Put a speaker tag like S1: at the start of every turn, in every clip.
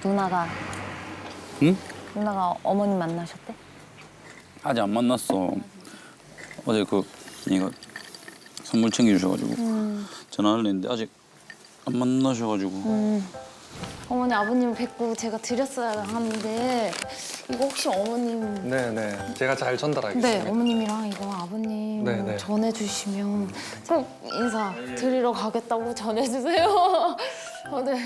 S1: 누나가
S2: 응?
S1: 누나가 어머님 만나셨대?
S2: 아직 안 만났어. 어제 이거 선물 챙겨주셔가지고 전화를 했는데 아직 안 만나셔가지고.
S1: 어머니 아버님 뵙고 제가 드렸어야 하는데 이거 혹시 어머님
S3: 네네. 제가 잘 전달하겠습니다.
S1: 네 어머님이랑 이거 아버님
S3: 네네.
S1: 전해주시면 꼭 인사 드리러 가겠다고 전해주세요. 네.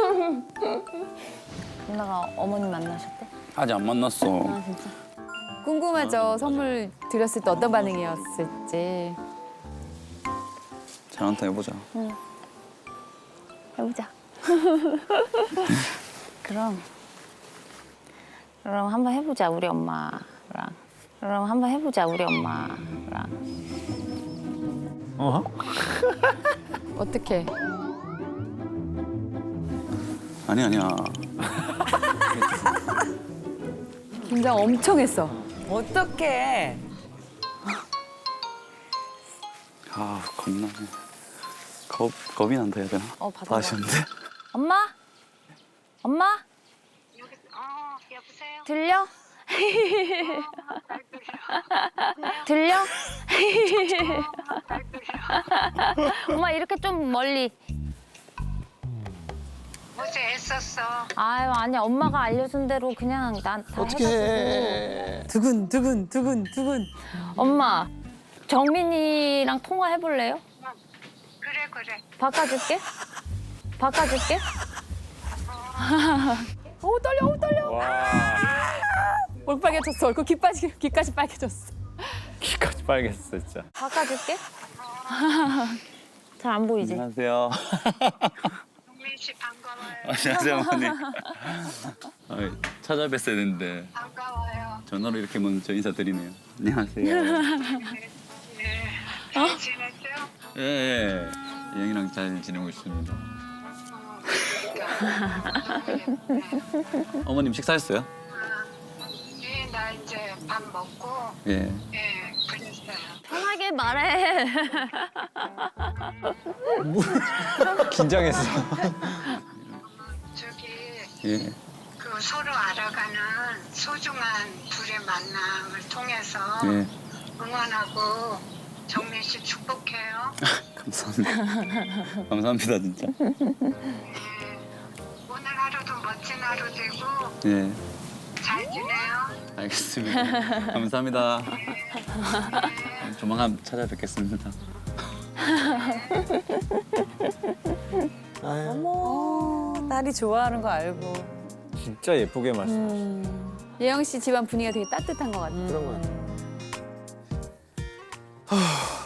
S1: 누나가 어머님 만나셨대?
S2: 아직 안 만났어.
S1: 아 진짜?
S4: 궁금하죠. 선물 드렸을 때 어떤 반응이었을지.
S2: 잘 한타 해보자.
S1: 해보자. 그럼 한번 해보자 우리 엄마랑. 그럼 한번 해보자 우리 엄마랑.
S4: 어떻게?
S2: 아니야.
S4: 긴장 엄청 했어.
S5: 어떡해.
S2: 아 겁나네. 겁이 난다 해야 되나?
S1: 받아봐.
S2: 하시는데?
S1: 엄마? 엄마?
S6: 여보세요?
S1: 들려? 들려? 엄마 이렇게 좀 멀리.
S6: 어제 애썼어.
S1: 아유 아니야 엄마가 알려준 대로 그냥 난 다
S3: 어떻게
S1: 해가지고.
S3: 해.
S4: 두근두근.
S1: 엄마 정민이랑 통화해볼래요?
S6: 그래.
S1: 바꿔줄게. 바꿔줄게.
S4: 어우 떨려. 얼굴 빨개졌어. 얼굴 귀까지 빨개졌어.
S7: 귀까지 빨개졌어 진짜.
S1: 바꿔줄게. 잘 안 보이지?
S2: 안녕하세요.
S6: 동민 씨 반가워요.
S2: 안녕하세요 어머니. 찾아뵀어야 되는데
S6: 반가워요.
S2: 전화로 이렇게 먼저 인사드리네요. 안녕하세요.
S6: 잘 지냈죠?
S2: 예. 형이랑 잘 지내고 있습니다. 어머님 식사했어요?
S6: 예, 나 이제 밥 먹고
S2: 예.
S6: 그랬어요.
S1: 편하게 말해.
S3: 긴장했어.
S6: 저기
S2: 예.
S6: 그 서로 알아가는 소중한 둘의 만남을 통해서
S2: 예.
S6: 응원하고 정민 씨 축복해요.
S2: 감사합니다. 감사합니다 진짜.
S6: 오늘 하루도 멋진 하루 되고
S2: 예.
S6: 잘 지내요.
S2: 알겠습니다. 감사합니다. 조만간 찾아뵙겠습니다.
S5: 어머, 딸이 좋아하는 거 알고.
S7: 진짜 예쁘게 말씀.
S4: 예영 씨 집안 분위기가 되게 따뜻한 것 같아.
S3: 그런 거 같아.